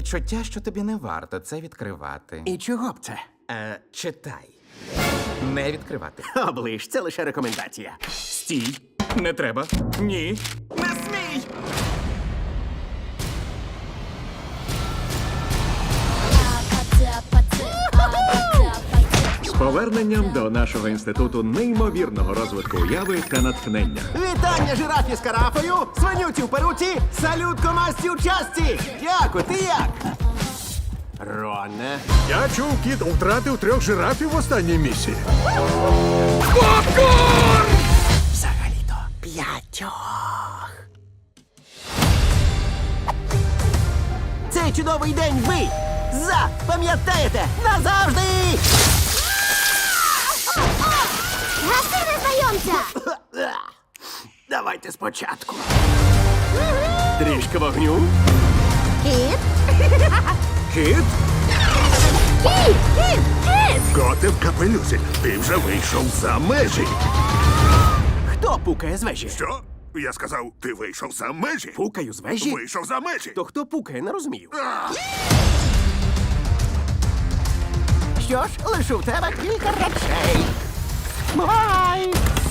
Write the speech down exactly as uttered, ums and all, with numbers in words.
відчуття, що тобі не варто це відкривати. І чого б це? Е, читай. Не відкривати. Оближ, це лише рекомендація. Стій. Не треба. Ні. Не смій! З поверненням до нашого інституту неймовірного розвитку уяви та натхнення. Вітання жирафі з карафою, свинюці в перуці, салют комасті у часті! Дякую, ти як? Роне. Я чув, кіт втратив трьох жирафів в останній місії. Взагалі-то п'ятьох. Цей чудовий день ви запам'ятаєте назавжди! Гаси незнайомця! Давайте спочатку. Трішки вогню. Кіт! Кіт? Кіт! Кіт! Кіт! Коти в капелюсі. Ти вже вийшов за межі. Хто пукає з вежі? Що? Я сказав, ти вийшов за межі. Пукаю з вежі? Вийшов за межі. То хто пукає, не розумію. А! Що ж, лишу в тебе кілька речей. Бувай!